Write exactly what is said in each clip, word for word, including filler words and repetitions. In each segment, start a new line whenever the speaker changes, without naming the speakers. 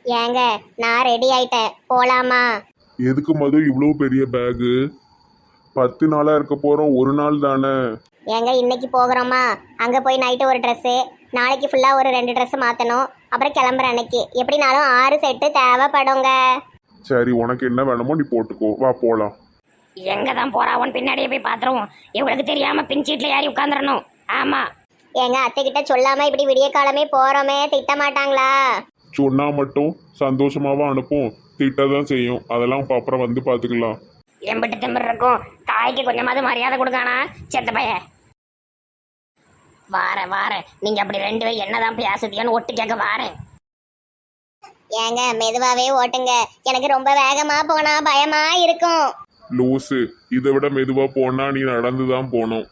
ஏங்க நான் ரெடி ஆயிட்டேன், போலாமா?
எதுக்கு மது இவ்வளோ பெரிய பேகு? பத்து நாளா இருக்க போறோம், ஒரு நாள் தானே.
ஏங்க இன்னைக்கு போகிறோமா, அங்கே போய் நைட்டு ஒரு ட்ரெஸ்ஸு, நாளைக்கு ஃபுல்லாக ஒரு ரெண்டு ட்ரெஸ்ஸு மாற்றணும், அப்புறம் கிளம்புற அன்னைக்கு எப்படினாலும் ஆறு செட்டு தேவைப்படுங்க.
சரி, உனக்கு என்ன வேணுமோ நீ போட்டுக்கோ, வா போலாம்.
எங்க தான் போறாவன் பின்னாடியே போய் பாத்துருவோம். இவளுக்கு தெரியாம பின் சீட்ல ஏறி உட்காந்துடணும். ஆமா,
எங்க அத்தைக்கிட்ட சொல்லாமல் இப்படி விடிய காலமே போகிறோமே, திட்ட மாட்டாங்களா?
சொன்னா மட்டும் சந்தோஷமாவா அனுப்பும், திட்டதான் செய்யும். அதெல்லாம் இப்ப அப்புறம் வந்து பார்த்துக்கலாம்.
எம்பிட்டு திமிர் இருக்கும். தாய்க்கு கொஞ்சமாவது மரியாதை கொடுக்கானா செத்த பைய. வாரேன் வாரேன், நீங்க அப்படி ரெண்டு பேரும் என்னதான் பேசுதியோன்னு ஒட்டு கேட்க வாரேன்.
ஏங்க மெதுவாகவே ஓட்டுங்க, எனக்கு ரொம்ப வேகமாக போனால் பயமா இருக்கும்.
லூசு, இதை விட மெதுவா போனா நீ நடந்துதான் போகணும்.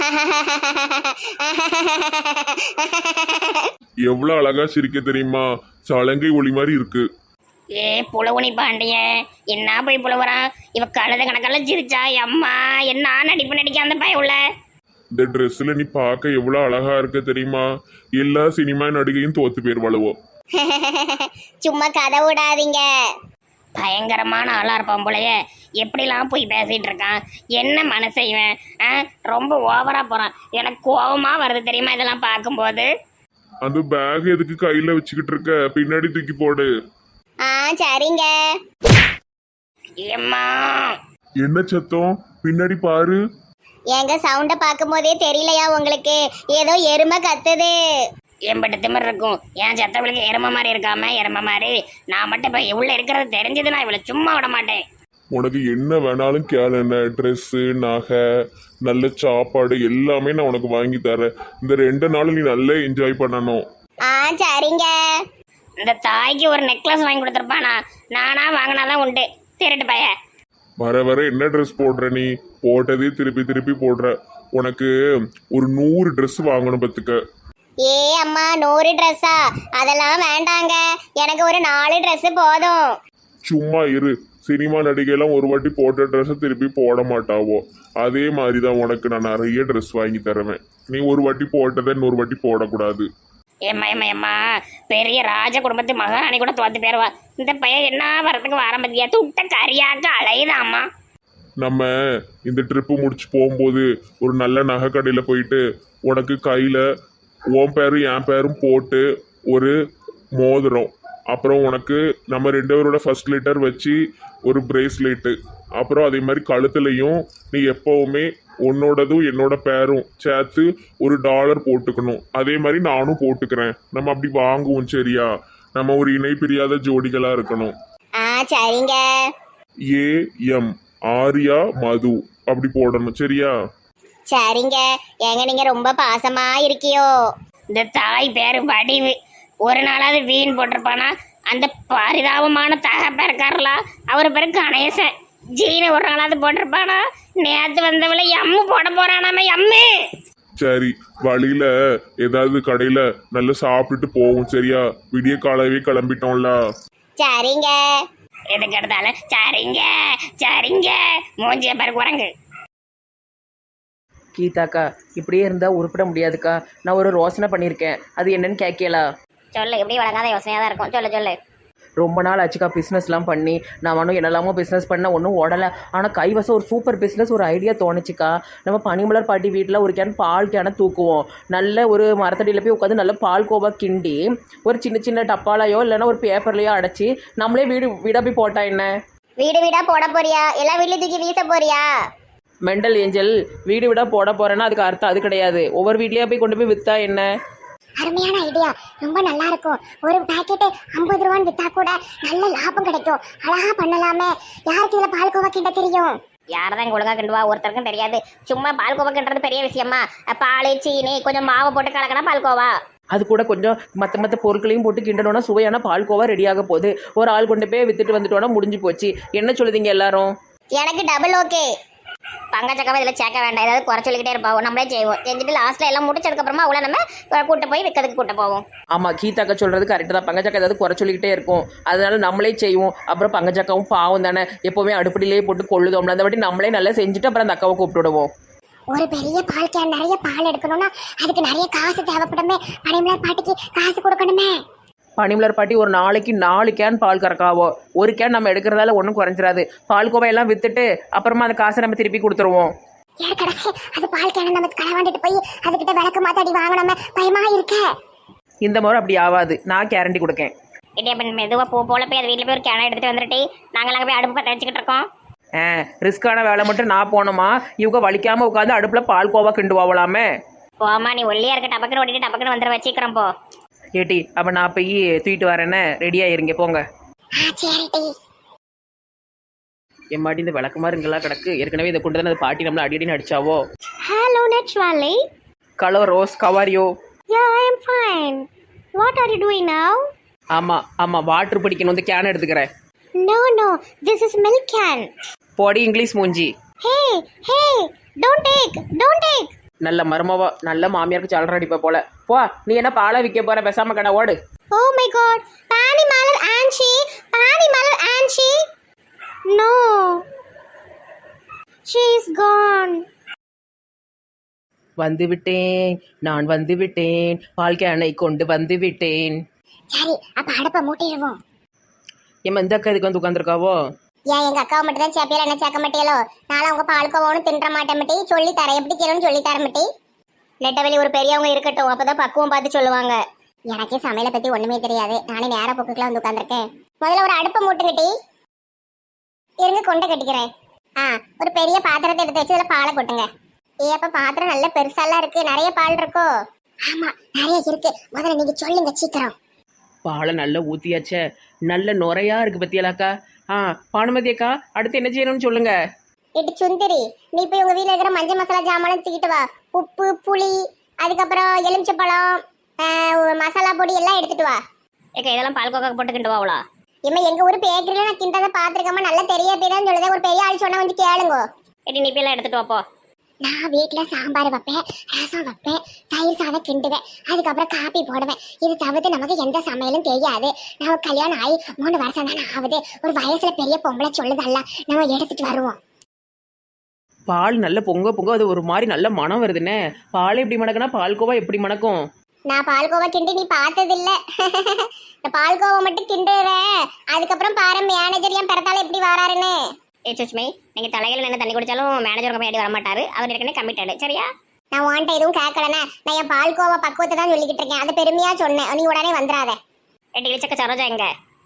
எவ்வளவு அழகா சிரிக்க தெரியுமா, சலங்கை ஒளி மாதிரி இருக்கு.
ஏ புலவுனி பாண்டிய, என்ன போய் புலவுறான் இவ. கழுத கணக்கெல்லாம் சிரிச்சா அம்மா, என்ன நடிப்பு நடிக்க அந்த பைய உள்ள.
இந்த ட்ரெஸ்ல நீ பார்க்க எவ்வளவு அழகா இருக்க தெரியுமா. எல்லா சினிமா நடிகையும் தோத்து பேர் வளவோ.
சும்மா கதை விடாதீங்க.
பயங்கரமான ஆளா இருப்பான் போலயே. எப்படிலாம் போய் பேசிட்டு இருக்கான், என்ன மனசெய்வேன். ஆ ரொம்ப ஓவரா போறான், எனக்கு கோபமா வருது தெரியுமா இதெல்லாம் பார்க்கும்போது.
அந்த பேக் எதுக்கு கையில வச்சுக்கிட்டு இருக்க, பின்னாடி தூக்கி போடு.
ஆ சரிங்க.
ஏம்மா
என்ன சத்தம், பின்னாடி பாரு.
ஏங்க சவுண்ட பார்க்கும் போதே தெரியலையா உங்களுக்கு, ஏதோ எருமை கத்துது.
எம்பிட்டு திமிர் இருக்கும். என் சத்தவளுக்கு எரும மாதிரி இருக்காம எரும மாதிரி. நான் மட்டும் இப்ப உள்ள இருக்கிறது தெரிஞ்சது, நான் இவளை சும்மா விட மாட்டேன்.
உனக்கு என்ன வேணாலும் கேளு, என்ன ட்ரெஸ்ஸு, நகை, நல்ல சாப்பாடு எல்லாமே நான் உனக்கு வாங்கி தரேன். இந்த ரெண்டு நாளும் நீ நல்லா என்ஜாய் பண்ணணும்.
ஆ சரிங்க.
இந்த தாய்க்கு ஒரு நெக்லஸ் வாங்கி கொடுத்துருப்பானா, நானா வாங்கினாதான் உண்டு. திருட்டு பைய.
வர வர என்ன ட்ரெஸ் போடுற நீ, போட்டதே திருப்பி திருப்பி போடுற. உனக்கு ஒரு நூறு ட்ரெஸ் வாங்கணும் பத்துக்க.
ஏ அம்மா, நூறு ட்ரெஸ்ஸா? அதெல்லாம் வேண்டாங்க, எனக்கு ஒரு நாலு ட்ரெஸ் போதும்.
சும்மா இரு, சினிமா நடிகையெல்லாம் ஒரு வாட்டி போட்ட ட்ரெஸ்ஸை திருப்பி போட மாட்டாவோ. அதே மாதிரி தான் உனக்கு நான் நிறைய ட்ரெஸ் வாங்கி தருவேன். நீ ஒரு வாட்டி போட்டதை இன்னொரு வாட்டி போடக்கூடாது.
ஏம்மா ஏம்மா ஏம்மா, பெரிய ராஜ குடும்பத்து மகாராணி கூட தோத்து போயிருவா. இந்த பையன் என்ன வரத்துக்கு ஆரம்பித்தியா, துட்ட கரியாக்க அலையுதாம்மா.
நம்ம இந்த ட்ரிப்பு முடிச்சு போகும்போது ஒரு நல்ல நகை கடையில் போயிட்டு உனக்கு கையில் உன் பேரும் என் பேரும் போட்டு ஒரு மோதிரம், அப்புறம் உனக்கு நம்ம ரெண்டு பேரோட ஃபர்ஸ்ட் லிட்டர் வச்சு ஒரு பிரேஸ்லெட்டு, அப்புறம் அதே மாதிரி கழுத்துலையும் நீ எப்போவுமே உன்னோடதும் என்னோட பேரும் சேர்த்து ஒரு டாலர் போட்டுக்கணும். அதே மாதிரி நானும் போட்டுக்கிறேன். நம்ம அப்படி வாங்குவோம், சரியா? நம்ம ஒரு இணை பிரியாத ஜோடிகளா இருக்கணும்.
ஆ சரிங்க.
ஏ எம் ஆர்யா மது அப்படி போடணும், சரியா?
சரிங்க. ஏங்க நீங்க ரொம்ப பாசமா இருக்கியோ.
இந்த தாய் பேரு வடிவு. ஒரு நாளாவது வீண் போட்டிருப்பானா. அந்த பரிதாபமான தகப்ப இருக்காருலா, அவர் பேரு கணேசன். ஜீனை ஒரு நாளாவது போட்டிருப்பானா. நேற்று வந்தவளை எம்மு போட போறானாம எம்மு.
சரி, வழியில ஏதாவது கடையில நல்லா சாப்பிட்டுட்டு போவோம், சரியா? விடிய காலவே கிளம்பிட்டோம்ல.
சரிங்க.
எதுக்கு எடுத்தாலும் சரிங்க சரிங்க. மூஞ்சிய பாரு குரங்கு.
கீதாக்கா, இப்படியே இருந்தால் உருப்பிட முடியாதுக்கா. நான் ஒரு யோசனை பண்ணியிருக்கேன், அது என்னன்னு கேட்கலா?
சொல்லு, எப்படி வழங்காத யோசனையாக தான் இருக்கும், சொல்லு சொல்லு.
ரொம்ப நாள் ஆச்சுக்கா பிஸ்னஸ்லாம் பண்ணி. நான் ஒன்றும் என்னெல்லாமோ பிஸ்னஸ் பண்ண ஒன்றும் ஓடலை. ஆனால் கைவசம் ஒரு சூப்பர் பிஸ்னஸ் ஒரு ஐடியா தோணுச்சுக்கா. நம்ம பனிமலர் பாட்டி வீட்டில் ஒரு கேன் பால் கேனை தூக்குவோம். நல்ல ஒரு மரத்தடியில் போய் உட்காந்து நல்ல பால் கோவா கிண்டி ஒரு சின்ன சின்ன டப்பாலையோ இல்லைன்னா ஒரு பேப்பர்லையோ அடைச்சி நம்மளே வீடு வீடாக போய் போட்டா என்ன?
வீடு வீடாக போட போறியா, எல்லா வீட்லையும் தூக்கி வீச போறியா?
மெண்டல் ஏஞ்சல், வீடு வீடாக போட போகிறேன்னா அதுக்கு அர்த்தம் அது கிடையாது. ஒவ்வொரு வீட்லேயே போய் கொண்டு போய் விற்றா என்ன?
அருமையான ஐடியா, ரொம்ப நல்லா இருக்கும். ஒரு பாக்கெட்டு ஐம்பது ரூபான்னு வித்தா கூட நல்ல லாபம் கிடைக்கும். அழகா பண்ணலாமே. யாருக்கு இதில் பால் கோவா கிண்ட தெரியும்?
யாரதான் ஒழுங்கா கிண்டுவா, ஒருத்தருக்கும் தெரியாது. சும்மா பால் கோவா கிண்டுறது பெரிய விஷயமா? பால் சீனி கொஞ்சம் மாவை போட்டு கலக்கினா பால் கோவா.
அது கூட கொஞ்சம் மற்ற மற்ற பொருட்களையும் போட்டு கிண்டனோன்னா சுவையான பால்கோவா ரெடியாக போகுது. ஒரு ஆள் கொண்டு போய் வித்துட்டு வந்துட்டோன்னா முடிஞ்சு போச்சு. என்ன சொல்லுதீங்க எல்லாரும்?
எனக்கு டபுள் ஓகே.
பங்கச்சக்கவை இதில் சேர்க்க வேண்டாம், ஏதாவது குறை சொல்லிக்கிட்டே இருப்பாவும். நம்மளே செய்வோம். செஞ்சுட்டு லாஸ்ட்டில் எல்லாம் முடிச்சதுக்கப்புறமா அவ்வளோ நம்ம கூட்ட போய் விற்கிறதுக்கு கூட்ட போவோம்.
ஆமாம், கீதாக்கா சொல்கிறது கரெக்டு தான். பங்கச்சக்கா ஏதாவது குறை சொல்லிக்கிட்டே இருக்கும், அதனால நம்மளே செய்வோம். அப்புறம் பங்கச்சக்காவும் பாவம் தானே, எப்போவுமே அடுப்படியிலே போட்டு கொள்ளுதோம்ல. அந்த வாட்டி நம்மளே நல்லா செஞ்சுட்டு அப்புறம் அந்த அக்காவை கூப்பிட்டுடுவோம்.
ஒரு பெரிய பால் கேன் நிறைய பால் எடுக்கணும்னா அதுக்கு நிறைய காசு தேவைப்படுமே. பனிமலர் பாட்டிக்கு காசு கொடுக்கணுமே.
பனிமலர் பாட்டி ஒரு நாளைக்கு நாலு கேன் பால் கறக்காவோ. ஒரு கேன் நம்ம எடுக்கிறதால ஒன்றும் குறைஞ்சிராது. பால் கோவையெல்லாம் வித்துட்டு அப்புறமா அந்த காசை நம்ம திருப்பி கொடுத்துருவோம்.
ஏற்கனவே அது பால் கேன நம்ம களவாண்டிட்டு போய் அதுகிட்ட விளக்கு மாத்தாடி வாங்கணுமே பயமா இருக்க.
இந்த முறை அப்படி ஆகாது, நான் கேரண்டி கொடுக்கேன்.
இடி அப்ப மெதுவா போ போல போய் அது வீட்டில் போய் ஒரு கேனை எடுத்துட்டு வந்துட்டு நாங்கள் அங்கே போய் அடுப்பு பற்ற வச்சுக்கிட்டு இருக்கோம்.
ஆ ரிஸ்க்கான வேலை மட்டும் நான் போனோமா, இவங்க வலிக்காமல் உட்காந்து அடுப்பில் பால் கோவா கிண்டுவாங்களாமே.
போமா நீ ஒல்லியா இருக்க டபக்குன்னு ஓட்டிட்டு டபக்குன்னு வந்துட வச்சுக்கிறோம் போ.
ஏட்டி அப்போ நான் போய் தூக்கிட்டு வரேன்னு ரெடியாக இருங்க போங்க.
ஆ சரிடி.
என் மாட்டி இந்த விளக்குமாருங்கெல்லாம் கிடக்கு. ஏற்கனவே இதை கொண்டு தானே அது பாட்டி நம்மளை அடி அடின்னு அடிச்சாவோ.
ஹலோ நெட்வாலி.
கலோ ரோஸ் கவாரியோ.
Yeah I am fine. What are you doing now?
ஆமாம் ஆமாம் வாட்டர் பிடிக்கணும், வந்து கேன் எடுத்துக்கிறேன்.
No no this is milk can.
போடி இங்கிலீஷ் மூஞ்சி.
Hey hey don't take don't take.
நல்ல மருமவா, நல்ல மாமியாருக்கு சலர அடிப்ப போல. போ, நீ என்ன பாலை விற்க போற, பேசாம கடை ஓடு.
Oh my God, Panimalar aunty, Panimalar aunty. No, she is gone.
வந்து விட்டேன், நான் வந்து விட்டேன், பால் கேனை கொண்டு வந்து விட்டேன்.
சரி அப்ப அடுப்ப மூட்டிடுவோம்.
ஏமா இந்த அக்கா இதுக்கு வந்து உட்காந்துருக்காவோ?
ஏன் எங்க அக்காவை மட்டும் தான் சேப்பியல என்ன சேர்க்க மாட்டேலோ? நானும் உங்க பால்கோவாவும் தின்ற மாட்டேன் மட்டி. சொல்லி தரேன் எப்படி செய்யணும்னு சொல்லி தர மட்டி.
நெட்டவெளி ஒரு பெரியவங்க இருக்கட்டும், அப்பதான் பக்குவம் பார்த்து சொல்லுவாங்க.
எனக்கே சமையலை பத்தி ஒண்ணுமே தெரியாது. நானே நேர போக்குக்குலாம் வந்து உட்காந்துருக்கேன். முதல்ல ஒரு அடுப்பை மூட்டுங்கட்டி இருங்க, கொண்டை கட்டிக்கிறேன். ஆ ஒரு பெரிய பாத்திரத்தை எடுத்து வச்சு அதில் பாலை கொட்டுங்க. ஏ அப்ப பாத்திரம் நல்ல பெருசாலாம் இருக்கு, நிறைய பால் இருக்கோ? ஆமா நிறைய இருக்கு. முதல்ல நீங்க சொல்லுங்க சீக்கிரம்.
பாலை நல்லா ஊற்றியாச்சே, நல்ல நுரையா இருக்கு பத்தியலாக்கா. ஆ பானுமதி அக்கா, அடுத்து என்ன செய்யணும்னு சொல்லுங்க.
இட்டு சுந்தரி, நீ போய் உங்க வீட்டுல இருக்கிற மஞ்சள் மசாலா ஜாமான் தூக்கிட்டு வா. உப்பு புளி அதுக்கப்புறம் எலுமிச்சப்பழம் மசாலா பொடி எல்லாம் எடுத்துட்டு வா.
ஏக்கா இதெல்லாம் பால் கோக்கா போட்டு கிண்டு வாவளா?
இம்மா எங்க ஊர் பேக்கரியில நான் கிண்டதை பாத்துருக்கேம்மா, நல்லா தெரிய பேதான் சொல்லுதேன். ஒரு பெரிய ஆள் சொன்னா வந்து கேளுங்க.
எடி நீ போய் எடுத்துட்டு வாப்போ.
நான் வீட்டுல சாம்பார் வைப்பேன், ரசம் வைப்பேன், தயிர் சாதம் கிண்டுவேன், அதுக்கப்புறம் காப்பி போடுவேன். இது தவிர்த்து நமக்கு எந்த சமையலும் தெரியாது. நம்ம கல்யாணம் ஆகி மூணு வருஷம் தானே ஆகுது. ஒரு வயசுல பெரிய பொம்பளை சொல்லுதல்ல, நம்ம எடுத்துட்டு வருவோம்.
பால் நல்ல பொங்க பொங்க அது ஒரு மாதிரி நல்ல மனம் வருதுன்னே. பால் எப்படி மணக்குனா பால்கோவா எப்படி மணக்கும்?
நான் பால்கோவா கிண்டி நீ பார்த்தது இல்ல. பால்கோவா மட்டும் கிண்டுறேன், அதுக்கப்புறம் பாரு மேனேஜர் என் பிறத்தால எப்படி வராருன்னு.
ஏ சுஷ்மி, நீங்க தலையில நின்று தண்ணி குடிச்சாலும் மேனேஜர் கம்பெனி வர மாட்டாரு. அவர் ஏற்கனவே கமிட்டடு. சரியா?
நான் உன்ட்ட எதுவும் கேட்கலண்ணே. நான் என் பால்கோவா பக்குவத்தை தான் சொல்லிக்கிட்டு இருக்கேன். அது பெருமையா சொன்னேன். நீ உடனே வந்துடாத.
எட்டி இழிச்சக்க சரோஜா எங்க?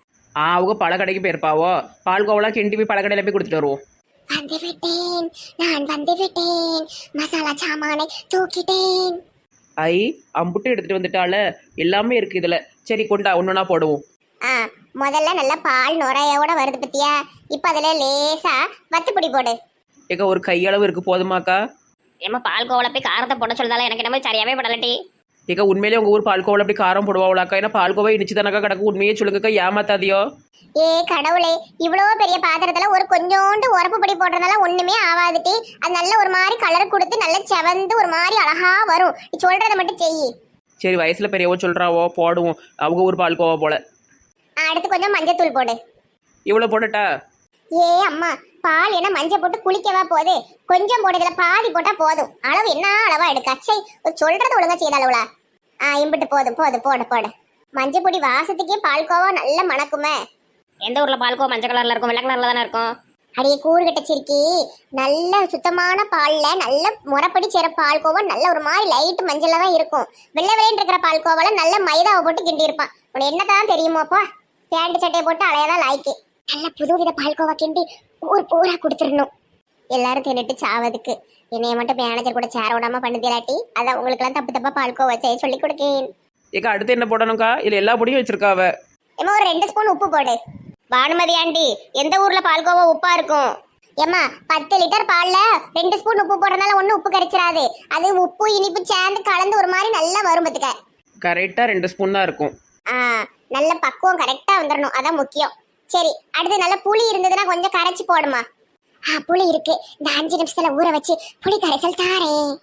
ஆ அவங்க பழக்கடைக்கு போயிருப்பாவோ. பால்கோவெல்லாம் கிண்டி போய் பழக்கடையில் போய் கொடுத்துட்டு வருவோம்.
வந்து விட்டேன், நான் வந்து விட்டேன், மசாலா சாமானை தூக்கிட்டேன்.
ஐ அம்புட்டு எடுத்துட்டு வந்துட்டால, எல்லாமே இருக்கு இதுல. சரி கொண்டா ஒன்னொன்னா போடுவோம்.
ஆ முதல்ல நல்ல பால் நுரையோட வருது பத்தியா. இப்ப அதுல லேசா வத்துப்பொடி போடு.
ஏக்கா ஒரு கையளவு இருக்கு போதுமாக்கா?
ஏமா பால் கோவல போய் காரத்தை போட சொல்லுதால எனக்கு என்ன சரியாவே படலட்டி.
ஏக்கா உண்மையிலே உங்க ஊர் பால்கோவில் அப்படி காரம் போடுவாங்களாக்கா? ஏன்னா பால்கோவா இனிச்சு தானக்கா கிடக்கு. உண்மையே சொல்லுங்கக்கா, ஏமாத்தாதியோ.
ஏ கடவுளே, இவ்வளவு பெரிய பாத்திரத்துல ஒரு கொஞ்சோண்டு உரப்பு பொடி போடுறதால ஒண்ணுமே ஆவாதுட்டி. அது நல்ல ஒரு மாதிரி கலர் கொடுத்து நல்ல செவந்து ஒரு மாதிரி அழகா வரும். நீ சொல்றதை மட்டும் செய்.
சரி வயசுல பெரியவோ சொல்றாவோ, போடுவோம். அவங்க ஊர் பால்கோவா போல.
அடுத்து கொஞ்சம் மஞ்சத்தூள் போடு.
இவ்வளவு போடட்டா?
ஏ அம்மா, பால் என்ன மஞ்சள் போட்டு குளிக்கவா போகுது? கொஞ்சம் போடுதுல பாதி போட்டா போதும். அளவு என்ன அளவா எடுக்க? அச்சை, சொல்றது ஒழுங்கா செய்யல அளவுல. ஆ இம்பிட்டு போதும் போதும் போடு போடு. மஞ்சள் பொடி வாசத்துக்கே பால்கோவா நல்ல மணக்குமே.
எந்த ஊர்ல பால்கோவா மஞ்சள் கலர்ல இருக்கும், வெள்ளை கலர்ல தானே இருக்கும்?
அடியே கூறு கட்டச்சிருக்கி, நல்ல சுத்தமான பால்ல நல்ல முறைப்படி சேர பால்கோவா நல்ல ஒரு மாதிரி லைட் மஞ்சள்ல தான் இருக்கும். வெள்ளை வெள்ளைன்னு இருக்கிற பால்கோவால நல்ல மைதாவை போட்டு கிண்டி இருப்பான். உனக்கு என்னதான் தெரியுமாப்பா? பேண்ட் சட்டையை போட்டு அலையதான் லாய்க்கு. நல்ல புது வித பால்கோவா கிண்டி ஊர் பூரா கொடுத்துடணும். எல்லாரும் தின்னுட்டு சாவதுக்கு என்னைய மட்டும் மேனேஜர் கூட சேர விடாம பண்ணுதிலாட்டி, அதான் உங்களுக்கு எல்லாம் தப்பு தப்பா பால்கோவா செய்ய சொல்லி கொடுக்கேன்.
ஏக்கா அடுத்து என்ன போடணும்க்கா? இல்ல எல்லா பொடியும் வச்சிருக்காவ.
ஏமா ஒரு ரெண்டு ஸ்பூன் உப்பு போடு.
பானுமதி ஆண்டி, எந்த ஊர்ல பால்கோவா உப்பா இருக்கும்?
ஏமா பத்து லிட்டர் பால்ல ரெண்டு ஸ்பூன் உப்பு போடுறதுனால ஒன்னும் உப்பு கரைச்சிடாது. அது உப்பு இனிப்பு சேர்ந்து கலந்து ஒரு மாதிரி நல்லா வரும் பத்துக்க.
கரெக்டா ரெண்டு ஸ்பூன் தான் இருக்கும்.
ஆ நல்ல பக்குவம் கரெக்டா வந்துடணும், அதான் முக்கியம். சரி அடுத்து நல்ல புளி இருந்ததுன்னா கொஞ்சம் கரைச்சி போடுமா. ஆ புளி இருக்கு, இந்த அஞ்சு நிமிஷத்துல ஊற வச்சு புளி கரைசல் தாரேன்.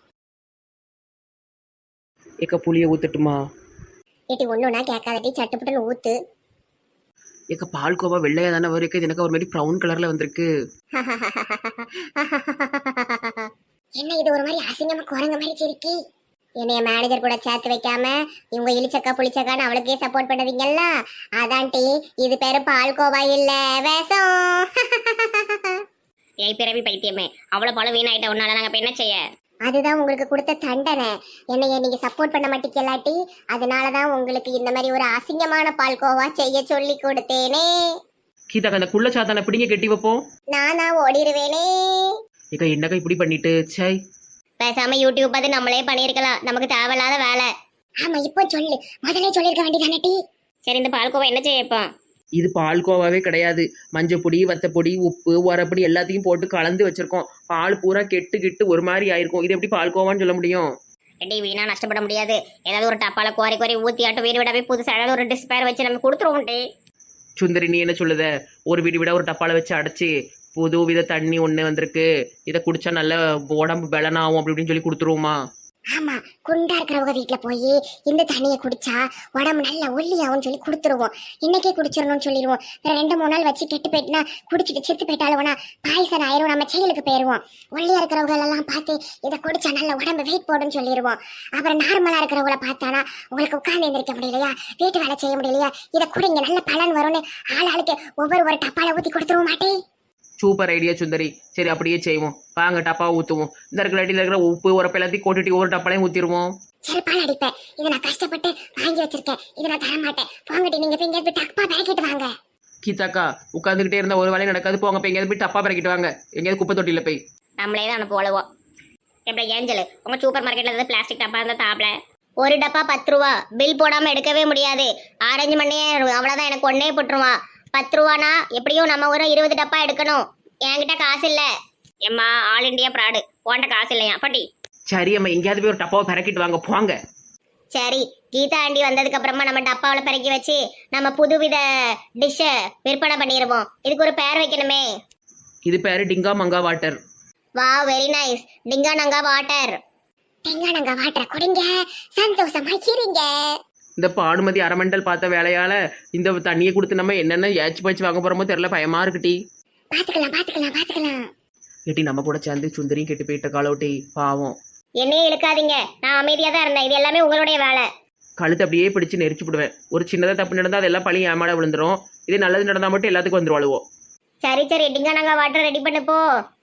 ஏக்கா புளிய ஊத்துட்டுமா?
ஏட்டி ஒண்ணுனா கேட்காதட்டி, சட்டுப்புட்டுன்னு ஊத்து.
ஏக்கா பால்கோவா வெள்ளையா தானே வரும். இது எனக்கு ஒரு மாதிரி ப்ரௌன் கலர்ல வந்திருக்கு.
என்ன இது ஒரு மாதிரி அசிங்கமா குரங்க மாதிரி சிரிக்கி? என்னைய மேனேஜர் கூட சேர்த்து வைக்காம இவங்க இழிச்சக்கா புளிச்சக்கான்னு அவளுக்கே சப்போர்ட் பண்ணுவீங்கல்ல அதான் டி இது பேரு பால்கோவா இல்ல வேஷம்.
ஏய் பிறவி பைத்தியமே, அவ்வளோ பழம் வீணாயிட்ட உன்னால நாங்கள் இப்போ என்ன செய்ய?
அதுதான் உங்களுக்கு கொடுத்த தண்டனை. என்னைய நீங்க சப்போர்ட் பண்ண மாட்டீங்களாட்டி அதனாலதான் உங்களுக்கு இந்த மாதிரி ஒரு அசிங்கமான பால்கோவா செய்ய சொல்லி கொடுத்தேனே.
கீதா அந்த குள்ள சாத்தானை பிடிங்க கெட்டி வைப்போம்.
நானா ஓடிடுவேனே.
ஏக்கா என்னக்கா இப்படி பண்ணிட்டு சை.
பேசாம யூடியூப் பார்த்து நம்மளே பண்ணியிருக்கலாம், நமக்கு தேவையில்லாத வேலை.
ஆமா இப்போ சொல்லு, முதல்ல சொல்லிருக்க வேண்டியதானே டி.
சரி இந்த பால்கோவா என்ன செய்ய இப்போ?
இது பால்கோவாவே கிடையாது. மஞ்சப்பொடி வத்தப்பொடி உப்பு உரப்பொடி எல்லாத்தையும் போட்டு கலந்து வச்சிருக்கோம். பால் பூரா கெட்டு கெட்டு ஒரு மாதிரி ஆயிருக்கும். இது எப்படி பால்கோவான்னு சொல்ல முடியும்?
ரெடி வீணா நஷ்டப்பட முடியாது. ஏதாவது ஒரு டப்பால குவாரி குவாரி ஊற்றி ஆட்டம் வீடு விடாவே புதுசாக ஏதாவது ஒரு டிஸ்பேர் வச்சு நம்ம கொடுத்துருவோம் டி.
சுந்தரி நீ என்ன சொல்லுத? ஒரு வீடு விட ஒரு டப்பால வச்சு அடைச்சி புது வித தண்ணி ஒன்று வந்திருக்கு, இதை குடிச்சா நல்ல உடம்பு பலனாகும் அப்படி இப்படின்னு சொல்லி கொடுத்துருவோமா?
ஆமா, குண்டா இருக்கிறவங்க வீட்டுல போய் இந்த தண்ணியை குடிச்சா உடம்பு நல்லா ஒல்லியாவும் சொல்லி கொடுத்துருவோம். இன்னைக்கே குடிச்சிடணும்னு சொல்லிடுவோம். ரெண்டு மூணு நாள் வச்சு கெட்டு போயிட்டுனா குடிச்சிட்டு செத்து போயிட்டாலும்னா பாய்சன் ஆயிரும், நம்ம செயலுக்கு போயிருவோம். ஒல்லியா இருக்கிறவங்க எல்லாம் பார்த்து இதை குடிச்சா நல்ல உடம்பு வெயிட் போடுன்னு சொல்லிடுவோம். அப்புறம் நார்மலா இருக்கிறவங்கள பார்த்தானா உங்களுக்கு உட்கார்ந்து எந்திரிக்க முடியலையா, வீட்டு வேலை செய்ய முடியலையா, இதை குடிங்க நல்ல பலன் வரும்னு ஆள் ஆளுக்கு ஒவ்வொரு ஒரு டப்பால ஊத்தி கொடுத்துருவோம் மாட்டே.
Super idea Sundari. சரி அப்படியே செய்வோம். வாங்க டப்பாவை ஊற்றுவோம். இந்த இருக்கிற அடியில் இருக்கிற உப்பு உரப்பு எல்லாத்தையும் கொட்டிட்டு ஒவ்வொரு டப்பாலையும் ஊற்றிடுவோம்.
செருப்பால் அடிப்பேன். இதை நான் கஷ்டப்பட்டு வாங்கி வச்சிருக்கேன், இதை நான் தர மாட்டேன். போங்கட்டி, நீங்க போய் எங்கேயாவது டப்பா பேக்கிட்டு வாங்க.
கீதாக்கா உட்காந்துக்கிட்டே இருந்தால் ஒரு வேலையும் நடக்காது. போங்க போய் எங்கேயாவது போய் டப்பா பறக்கிட்டு வாங்க, எங்கேயாவது குப்பை தொட்டியில் போய்.
நம்மளே தான் அனுப்புவோம். எப்படி ஏஞ்சல் உங்கள் சூப்பர் மார்க்கெட்டில் ஏதாவது பிளாஸ்டிக் டப்பா இருந்தால் தாப்பில் ஒரு டப்பா பத்து ரூபா. பில் போடாமல் எடுக்கவே முடியாது. ஆரஞ்சு மணியே அவ்வளோதான், எனக்கு ஒன்னே போட்டுருவான். பத்து ரூபானா எப்படியும் நம்ம ஒரு இருபது டப்பா எடுக்கணும். என்கிட்ட காசு இல்லை. எம்மா ஆல் இண்டியா ப்ராடு, போன்ற காசு இல்லையா பட்டி?
சரி அம்மா எங்கேயாவது போய் ஒரு டப்பாவை பறக்கிட்டு வாங்க போங்க.
சரி கீதா ஆண்டி வந்ததுக்கு அப்புறமா நம்ம டப்பாவில் பறக்கி வச்சு நம்ம புதுவித டிஷ்ஷை விற்பனை பண்ணிடுவோம். இதுக்கு ஒரு பேர் வைக்கணுமே.
இது பேரு டிங்கா மங்கா வாட்டர்.
வா வெரி நைஸ். டிங்கா நங்கா வாட்டர்.
தெங்கானங்க வாட்டரை குடிங்க, சந்தோஷமா இருங்க.
இந்த பானுமதி அரமண்டல் பார்த்த வேலையால இந்த தண்ணியை கொடுத்து நம்ம என்னென்ன ஏச்சு பச்சு வாங்க போறோமோ தெரியல, பயமா இருக்குட்டி.
பாத்துக்கலாம் பாத்துக்கலாம் பாத்துக்கலாம்.
ஏட்டி நம்ம கூட சேர்ந்து சுந்தரியும் கெட்டு போயிட்ட காலோட்டி பாவம்.
என்னையே இழுக்காதீங்க, நான் அமைதியாக தான் இருந்தேன். இது எல்லாமே உங்களுடைய வேலை.
கழுத்து அப்படியே பிடிச்சு நெரிச்சு விடுவேன். ஒரு சின்னதாக தப்பு நடந்தால் அதெல்லாம் பழி ஏமாட விழுந்துரும். இதே நல்லது நடந்தால் மட்டும் எல்லாத்துக்கும் வந்துருவாளுவோம்.
சரி சரி டிங்கா நங்கா வாட்டர் ரெடி பண்ணு போ.